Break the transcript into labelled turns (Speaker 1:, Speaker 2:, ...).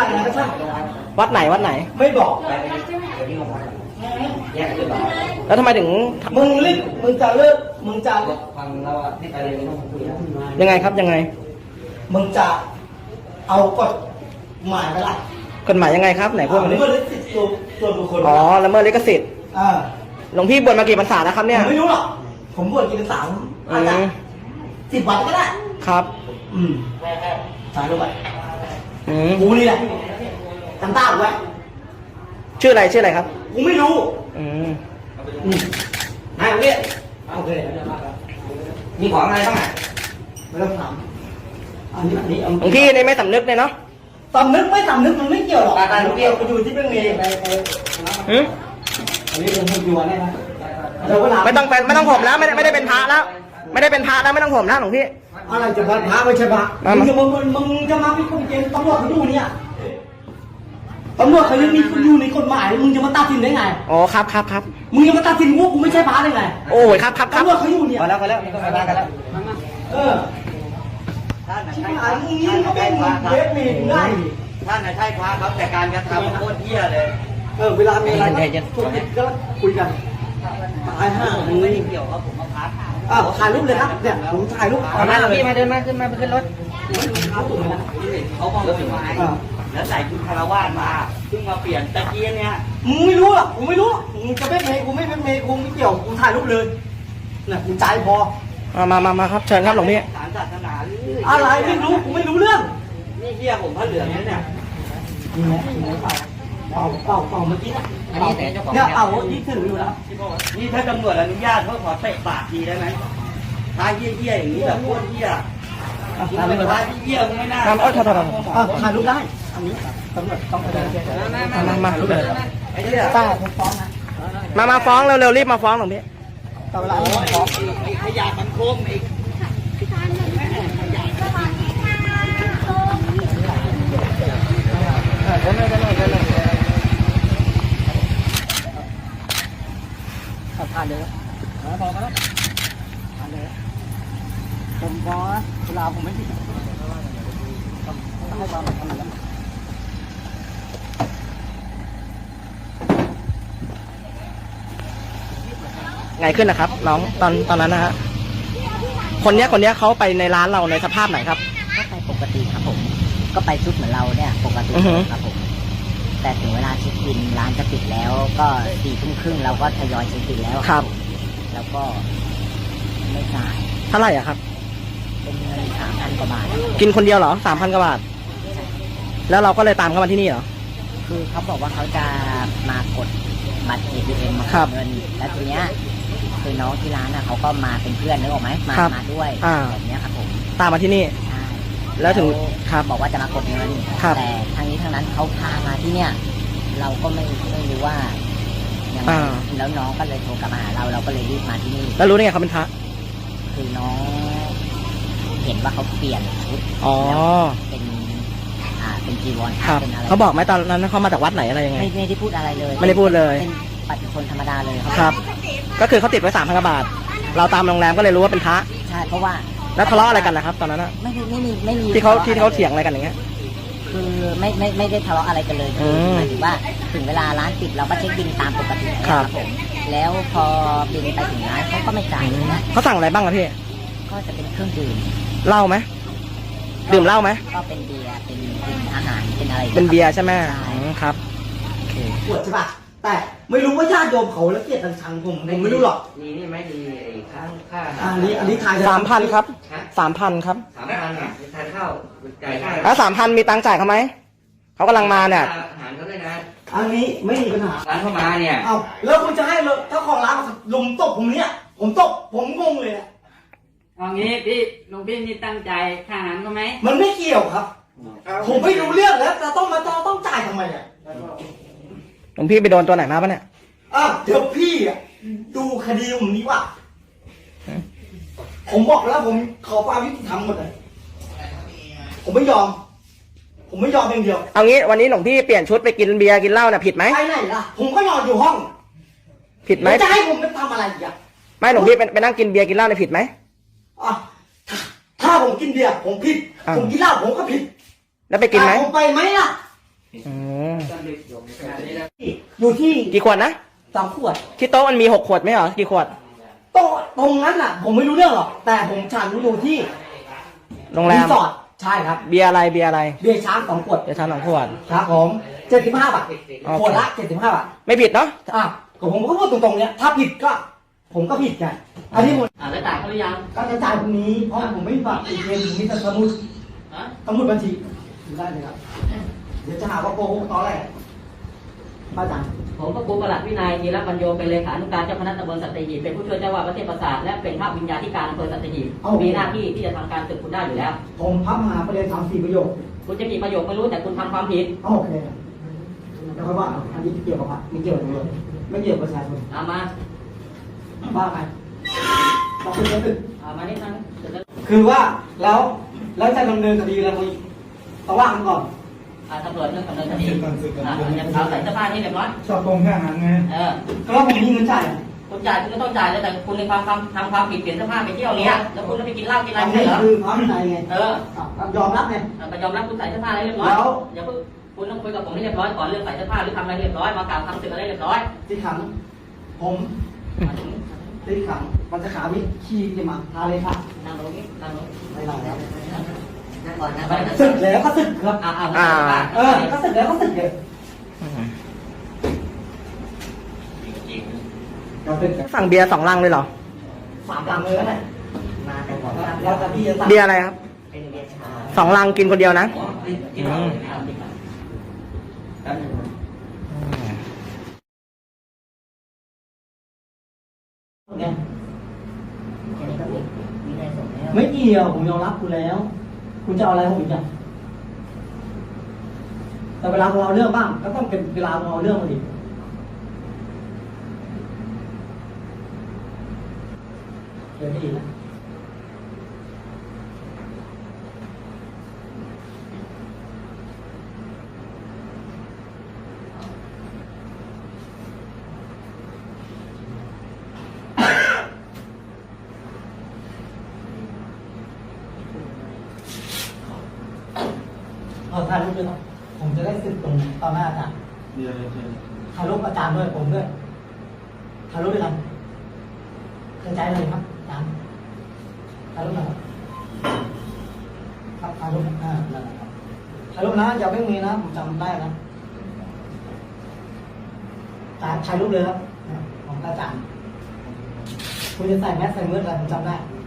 Speaker 1: ถ่ายอะไรก็ช่าง
Speaker 2: วัดไหนวัดไหน
Speaker 1: ไม่บอก
Speaker 2: แล้วทำไมถึง
Speaker 1: มึงรีบมึงจะเลิกมึงจะ
Speaker 3: ฟังเราที่ไปเลยต้องคุยนะ
Speaker 2: ยังไงครับยังไง
Speaker 1: มึงจะเอากฎหมายไปละ
Speaker 2: กฎหมายยังไงครับไหนพูดมาดิ
Speaker 1: เมื่อลิขสิทธิ์ตัวบุคคล
Speaker 2: อ๋อละเมิดลิขสิทธิ์
Speaker 1: อ่า
Speaker 2: หลวงพี่บวชมากี่พรรษาแล้วครับ
Speaker 1: ผ
Speaker 2: เนี่ย
Speaker 1: มไม่รู้หรอกผมบวชกินสามอาจจะ10 วันก็ได้
Speaker 2: ครับ
Speaker 1: สายลงไป
Speaker 2: อืม
Speaker 1: กูนี่แหละจำตาไว้
Speaker 2: ชื่ออะไรครับ
Speaker 1: กูไม่รู้
Speaker 2: อืม
Speaker 1: นายเอาเนี่ยโอเค
Speaker 3: มีของอะไรบ้างอ่ะ
Speaker 1: ไม่ต้องถามอันนี้
Speaker 2: หลวงพี่นี่ไม่สำนึกเลยเนาะ
Speaker 1: สำนึกไม่สำนึกมันไม่เกี่ยวหรอกมันเกี่ยวไปอยู่ที่เรื่องนี้
Speaker 2: หืม
Speaker 1: อันนี้ผมอยู่อันนี้นะ
Speaker 2: ไม่ต้องผมแล้วไม่ได้เป็นพระแล้ว ไม่ได้เป็นพระแล้วไม่ต้องผมแล้วหลวงพี่
Speaker 1: อะไรจะพระไม่ใช่พระมึงจะมาพิคุกเกณฑ์ตำรวจเขาดูเนี่ยตำรวจเขายังมีอยู่ในกฎหมายมึงจะมาตัดสินได้ไง
Speaker 2: อ๋อครับ
Speaker 1: มึงจะมาตัดสินว่ากูไม่ใช่พระได้ไง
Speaker 2: โอ้ยครับ
Speaker 1: ตำรวจเขาอยู่เนี่ย
Speaker 3: พอแล้วนี่ก็ไปบ้านกันแล้ว
Speaker 1: เออชิบหายมึงนี่เขาเป็นเวทเมย์ได้
Speaker 3: ท่านใช่พระครับแต่การกระทำโคตรเหี้ยเลย
Speaker 1: เวลามีอะไรก็คุยกันตายห่า
Speaker 3: มันไม่ได้เกี่ยวกับผมมาพัก
Speaker 1: ถ่ายรูปเลยครับเนี่ยผมถ่ายรูป
Speaker 3: เอามาพี่มาเดินมาขึ้นมาขึ้นรถ
Speaker 1: เขาตุ่มนะ
Speaker 3: เขาบอกว่าเป็นไม้แล้วใส่ชุดคารวาสมาเพิ่งมาเปลี่ยนตะกี้เนี่ย
Speaker 1: มึงไม่รู้หรอกกูไม่รู้มึงจะเป็นเมย์กูไม่เป็นเมย์กูไม่เกี่ยวกูถ่ายรูปเลยน่ะกูใจพอ
Speaker 2: มาครับเชิญครับหลวงพี่
Speaker 3: สารศาสนา
Speaker 1: อะไรไม่รู้กูไม่รู้เรื่อง
Speaker 3: นี่เหี้ยผมพระเหลืองนี่เนี่ย
Speaker 1: นี่ไหมเป่าเมื่อกี้นะเนี่ยเป่าที่ถืออยู่แล้ว
Speaker 3: นี่ถ้าตำรวจอนุญาตเขาขอเตะปากทีได้ไหมท้ายเหี้ยๆอย่างนี้แบบโคตรเหี้ยมึงเป็นท้ายที่เหี้ยมึงไม่น่า
Speaker 1: ถ่ายรูปได้อันนี้ตำรวจต้องไปเลย
Speaker 2: มา
Speaker 3: ไอ้เหี้ย
Speaker 1: ป้าผมฟ้องนะ
Speaker 2: มาฟ้องเร็วๆรีบมาฟ้องหลวงพี่
Speaker 1: แต่เวลาผมฟ้อง
Speaker 3: ไอ้ขยะมันโคมไอ้
Speaker 1: ผ่านเลยพอกันแล้วผ่านเลยผมฟ้องนะเวลาผมไม่ผิดให้ความสำคัญแล้ว
Speaker 2: ไงขึ้นนะครับน้องตอนนั้นนะฮะคนเนี้ยเขาไปในร้านเราในสภาพไหนครับ
Speaker 4: ก็ไปปกติครับผมก็ไปชุดเหมือนเราเนี่ยปกติครับผมแต่ถึงเวลาเช็คบินร้านจะปิดแล้วก็4:30เราก็ทยอยเช็คบินแล้ว
Speaker 2: ครับ
Speaker 4: แล้วก็ไม่จ่าย
Speaker 2: เท่าไหร่อะครับ
Speaker 4: เป็นเงิน3,000 กว่าบาท
Speaker 2: กินคนเดียวเหรอ3,000 กว่าบาทแล้วเราก็เลยตามเข้ามาที่นี่เหรอ
Speaker 4: คือเขาบอกว่าเขาจะมากดบัตร ATM มาก
Speaker 2: ครั
Speaker 4: ด
Speaker 2: บ
Speaker 4: เงินแล้วทีเนี้ยคือน้องที่ร้านเขาก็มาเป็นเพื่อนนึกออกไหมมาด้วยแบบเนี้ยครับผม
Speaker 2: ตามมาที่นี่
Speaker 4: ใช่
Speaker 2: แล้วถึงครับ
Speaker 4: บอกว่าจะมากดเงิน
Speaker 2: ครับ
Speaker 4: แต่ทางนี้ทางนั้นเขาพามาที่เนี่ยเราก็ไม่รู้ว่ายังไงแล้วน้องก็เลยโทรกลับมาหาเราก็เลยรีบมาที่นี่
Speaker 2: แล้วรู้ได้ไงเขาเป็นพระ
Speaker 4: คือน้องเห็นว่าเขาเปลี่ยนชุด
Speaker 2: อ๋อ
Speaker 4: เป็นจีวร
Speaker 2: ครับ
Speaker 4: เป็นอะไร
Speaker 2: เขาบอกไหมตอนนั้นเขามาจากวัดไหนอะไรยังไง
Speaker 4: ไม่ได้พูดอะไรเลย
Speaker 2: ไม่ได้พูดเลย
Speaker 4: เป็นปฏิชนธรรมดาเลย
Speaker 2: ครับ ก็คือเขาติดไว้3,000 กว่าบาทเราตามโรงแรมก็เลยรู้ว่าเป็นพระ
Speaker 4: ใช่เพราะว่า
Speaker 2: แล้วทะเลาะอะไรกันนะครับ ตอนนั้นอะ
Speaker 4: ไม่มี
Speaker 2: ที่เขาเถียงอะไรกันอย่างเงี้ย
Speaker 4: คือไม่ได้ทะเลาะอะไรกันเลย
Speaker 2: อืม
Speaker 4: หมายถึงว่าถึงเวลาร้านปิดเราก็เช็คบินตามปกติ
Speaker 2: ครับ
Speaker 4: ผมแล้วพอบินไปถึงร้านเขาก็ไม่จ่ายนะ
Speaker 2: เขาสั่งอะไรบ้างครับพี่
Speaker 4: ก็จะเป็นเครื่องดื่ม
Speaker 2: เหล้าไหมดื่มเหล้าไหม
Speaker 4: ก็เป็นเบียร์เป็นอาหารเป็นอะไร
Speaker 2: เป็นเบียร์ใช่ไหม
Speaker 4: ใช่
Speaker 2: ครับโอเค
Speaker 1: ปวดใช่ป่ะแต่ไม่รู้ว่าญาติโยมเขาแล้วเกลียดชังผมไม่รู้หรอก
Speaker 3: ดีนี่ไหมดีไอ้ข้างค่า
Speaker 1: อันนี้ถ่าย
Speaker 2: 3,000 ครับ 3,000 ครับ
Speaker 3: 3,000นะทานข้าวจ่ายค่า
Speaker 2: แล้ว3,000มีตังค์จ่ายเขาไหมเขากำลังมาเนี่ย
Speaker 3: อาหารเขาด้วยนะ
Speaker 1: อันนี้ไม่มีปัญหา
Speaker 3: ร้านเข้ามาเนี่ย
Speaker 1: เอาแล้วคุณจะให้เจ้าของร้านมาลุมตบผมเนี่ยผมตบผมงงเลยอะ
Speaker 5: เอางี้พี่หลวงพี่นี่ตั้งใจค่าอาหารก็ไหม
Speaker 1: มันไม่เกี่ยวครับ ผมไม่รู้เรื่องแล้วจะต้องจ่ายทำไมอ่ะ
Speaker 2: หลวงพี่ไปโดนตัวไหนมาปะเนี่ย
Speaker 1: เดี๋ยวพี่อ่ะดูคดีผมนี้ว่ะผมบอกแล้วผมขอความยุติธรรมหมดเลยผมไม่ยอมอย่างเดียว
Speaker 2: เอางี้วันนี้หลวงพี่เปลี่ยนชุดไปกินเบียร์กินเหล้าเนี่ยผิดไหม
Speaker 1: ไปไหนล่ะผมก็นอนอยู่ห้อง
Speaker 2: ผิดไหม
Speaker 1: จะให้ผมไปทำอะไรอีกอ่ะ
Speaker 2: ไม่หลวงพี่ไปนั่งกินเบียร์กินเหล้าเนี่ยผิดไหม
Speaker 1: อ่ะถ้าผมกินเบียร์ผมผิด ผมกินเหล้าผมก็ผิด
Speaker 2: แล้วไปกินไหม
Speaker 1: ผมไปไหมล่ะ
Speaker 2: อืม
Speaker 1: อยู่ที่
Speaker 2: กี่ขวดนะ
Speaker 1: 2 ขวด
Speaker 2: ที่โต๊ะมันมี6 ขวดไหมเหรอ กี่ขวด
Speaker 1: โต๊ะตรงนั้นน่ะ ผมไม่รู้เรื่องหรอก แต่ผมฉันอยู่ที่
Speaker 2: โรงแร
Speaker 1: รี
Speaker 2: ม
Speaker 1: สอร์ทใช่ครับ
Speaker 2: เบียร์อะไร เบียร์อะไร
Speaker 1: เบียร์ช้าง2 ขวด
Speaker 2: เดี๋ยวทาน2 ขวด
Speaker 1: ครับผม75 บาท
Speaker 2: โอเค
Speaker 1: ขวดละ75 บาท
Speaker 2: ไม่ผิดเนาะ
Speaker 1: อ่ะก็ผมก็พูดตรงๆเนี่ยถ้าผิดก็ ผมก็ผิดไงอันนี้ผม
Speaker 5: แล้วจ่ายเขาหรือยัง
Speaker 1: ก็จะจ่ายพรุ่งนี้เพราะผมไม่มีบัตร ATM ผมมีแต่สมุด
Speaker 5: ฮะ
Speaker 1: สมุดบัญชีดูได้เลยครับ เดี๋ยวจะหาว่าโกหกตอนแรกป้าจัง
Speaker 5: ผมก็ครูประหลัดวินัยธีรปัญโยเป็นเลขานุการเจ้าคณะตำบลสัตหีบเป็นผู้ช่วยเจ้าวาดวัดเทพประสาทและเป็นพระวิญญาธิการอำเภอสัตหีบมีหน้าที่ที่จะทำการศึกคุณได้อยู่แล้ว
Speaker 1: ผมพับมาประเด็น3-4 ประโยค
Speaker 5: คุณจะมีประโยชน์ไม่รู้แต่คุณทำความผิด
Speaker 1: โอเคแล้วค่อยว่าอันนี้เกี่ยวกับพระไม่เกี่ยวกับตำรวจไม่เกี่ยวกับประชาชน
Speaker 5: เอามา
Speaker 1: ว่าไปต้องเป็นเรื่อง
Speaker 5: เอามานิดนึงเดี๋ยวจะ
Speaker 1: คือว่าแล้วจะดำเนินคดีอะไรมึงต้องว่ากันก่อน
Speaker 5: ตำรวจเรื่องดำเนินคดีเอาใส่เสื้อผ้านี่เรียบร้อย
Speaker 1: ชอบตรงแค่นั้นไง ก็ผมมีเงินจ่าย
Speaker 5: คุณจ่ายคุณก็ต้องจ่ายแต่คุณในความทำความผิดเปลี่ยนเสื้อผ้าไปเที่ยวเนี้ยแล้วคุณก็ไปกินเหล้ากินอะไร
Speaker 1: อัน
Speaker 5: ไม่
Speaker 1: นี้
Speaker 5: ใช่เหรอ
Speaker 1: คือความในไง ยอมรับไง
Speaker 5: ก็ยอมรับคุณใส่เสื้อผ้าอะไรเรียบร้อยอย่าเพิ่งคุณต้องคุยกับผมให้เรียบร้อยก่อนเรื่องใส่เสื้อผ้าหรือทำอะไรเรียบร้อยมากล่าวคำศึกอะไรเรียบร้อย
Speaker 1: ที่ขังผมที่ขังมันจะขาวิขี้จะมาทาเลยค่ะ
Speaker 5: นั่งลงนี่นั่งลง
Speaker 1: ไม่ได้แล้ว
Speaker 5: นั่งก่อนนะ
Speaker 1: สึกแล้วก็สึกครับ ก็สึกแล้วก็สึกเลยเราเป็น
Speaker 2: สั่งเบียร์2 ลังเลยเหรอ
Speaker 1: 3 ลังเลยนะ
Speaker 4: มาแต่บอก
Speaker 1: แล้วแต่พี่จะสั่ง
Speaker 2: เบียร์อะไรครับ
Speaker 4: เป็นเบียร์ชา
Speaker 2: 2 ลังกินคนเดียวนะ
Speaker 5: กินข้าวดีกว่า
Speaker 1: ไง
Speaker 4: แค่นี้ก็มีได้ส่งแล้ว
Speaker 1: ไม่เกี่ยวผมยอมรับคุณแล้ว คุณจะเอาอะไรผมอีกอ่ะแต่เวลาเราเรื่องบ้างก็ต้องเป็นเวลาเราเรื่องมาดิเดี๋ยวไม่ดีนะถ่ายรูปด้วยครับผมจะได้สึกตรงต่อหน้าอาจารย์ถ่ายรูปอาจารย์ด้วยผมด้วยถ่ายรูปด้วยกันกระจายเลยครับอาจารย์ถ่ายรูปหน่อยครับถ่ายรูปนั่นแหละครับถ่ายรูปนะอย่าไม่มีนะผมจำได้นะถ่ายรูปเลยครับของอาจารย์คุณจะใส่แมสใส่เมืออะไรผมจำได้